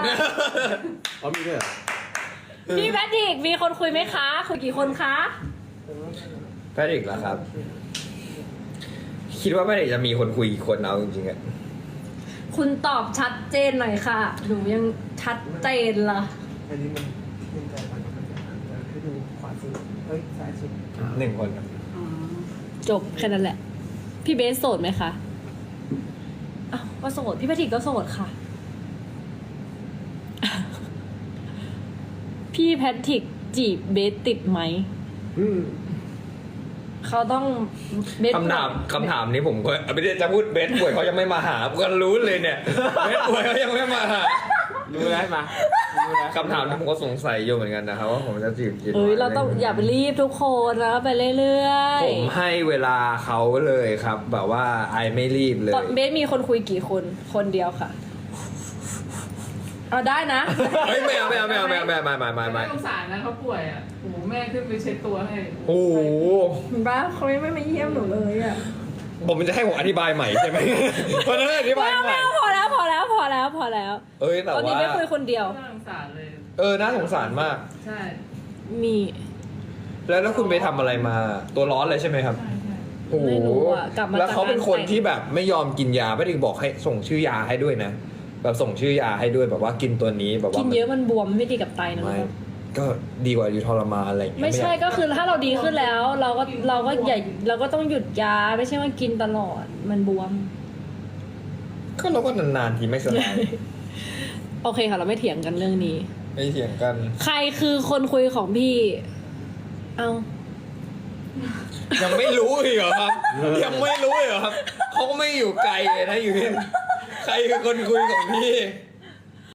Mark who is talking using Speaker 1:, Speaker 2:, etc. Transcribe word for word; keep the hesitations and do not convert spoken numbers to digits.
Speaker 1: อ๋อมีด้วยเหรอ
Speaker 2: พี่แพทริกมีคนคุยไหมคะคุยกี่คนคะ
Speaker 3: แพทริกเหรอครับ คิดว่าแพทริกจะมีคนคุยกี่คนเอาจริงๆอะ
Speaker 2: คุณตอบชัดเจนหน่อยค่ะหนูยังชัดเจนล่ะ
Speaker 4: อันนี้มันเป็นใจมันมันจะให้ดูขวาสุดเฮ้ยซ้ายสุด
Speaker 3: หนึ่งคนครับ
Speaker 2: จบแค่นั้นแหละ พี่เบสโสดไหมคะอ้าวก็โสดพี่แพทริกก็โสดค่ะ พี่แพทริกจีบเบสติดไหม
Speaker 1: อืม
Speaker 2: เขาต้องเบส
Speaker 3: คำถามคำถามนี้ผมก็ไม่ได้จะพูดเบสป่วยเขายังไม่มาหาผมก็รู้เลยเนี่ยเบสป่วยเขายังไม่มาหา
Speaker 1: รู้แล้วมารู้แล้ว
Speaker 3: คำถามนี้ผมก็สงสัยอยู่เหมือนกันนะครับว่าผมจะจีบกิน
Speaker 2: เอ้ยเราต้องอย่าไปรีบทุกคนแล้วไปเรื่อยๆ
Speaker 3: ผมให้เวลาเขาเลยครับ แบบว่าไอไม่รีบเลย
Speaker 2: ตอนเบสมีคนคุยกี่คนคนเดียวค่ะเอาได้นะ
Speaker 3: เฮ้ยไม่เอาไม่เอาไม่เอาไม่เอาไม่เอาไม่ไม่ไม่ไม่
Speaker 5: ไม่สงสารนะเขาป่วยอ่ะโอ้โหแม่ขึ้นไปเช็ดตัวให้
Speaker 3: โอ้โห
Speaker 2: บ้าเขาไม่มาเยี่ยมหนูเลยอ่ะ
Speaker 3: ผมจะให้ผมอธิบายใหม่ใช่ไหมเพราะฉะนั้นอธิบาย
Speaker 2: ไม่เอา
Speaker 3: ให
Speaker 2: ไม่
Speaker 3: ม่
Speaker 2: เอาพอแล้วพอแล้วพอแล้วพอแล้ว
Speaker 3: เอ้ยแต่
Speaker 2: ตอนนี้
Speaker 3: ว่า
Speaker 2: ไม่คุยคนเดียว
Speaker 5: น่าสงสารเลย
Speaker 3: เออน่าสงสารมาก
Speaker 5: ใช่
Speaker 2: มี
Speaker 3: แล้วแล้วคุณไปทำอะไรมาตัวร้อนเลยใช่ไหมครับ
Speaker 5: ใช่ใช่
Speaker 3: โอ้โห
Speaker 2: ไม่รู้อ่ะกลับมา
Speaker 3: แล้วเขาเป็นคน
Speaker 2: จากง
Speaker 3: ที่แบบไม่ยอมกินยาไม่ได้บอกให้ส่งชื่อยาให้ด้วยนะแบบส่งชื่อยาให้ด้วยแบบว่ากินตัวนี้แบบว่า
Speaker 2: กินเยอะมันบวมไม่ดีกับไตนะ
Speaker 3: ไม่
Speaker 2: ครับ
Speaker 3: ก็ดีกว่าอยู่ทรมานอะไรอย่างเงี้ย
Speaker 2: ไม่ใช่
Speaker 3: อยา
Speaker 2: ก็คือถ้าเราดีขึ้นแล้ว เราก็เราก็อย่าเราก็ต้องหยุดยาไม่ใช่ว่ากินตลอดมันบวม
Speaker 3: ก็เราก็นานๆทีไม่สบาย
Speaker 2: โอเคค่ะเราไม่เถียงกันเรื่องนี้
Speaker 3: ไม่เถียงกัน
Speaker 2: ใครคือคนคุยของพี่ เอา
Speaker 3: ยังไม่รู้อีกเหรอครับ ยังไม่รู้อีกเหรอครับเขาก็ไม่อยู่ไกลเลยนะอยู่ที่ใครคือคนคุยของพี่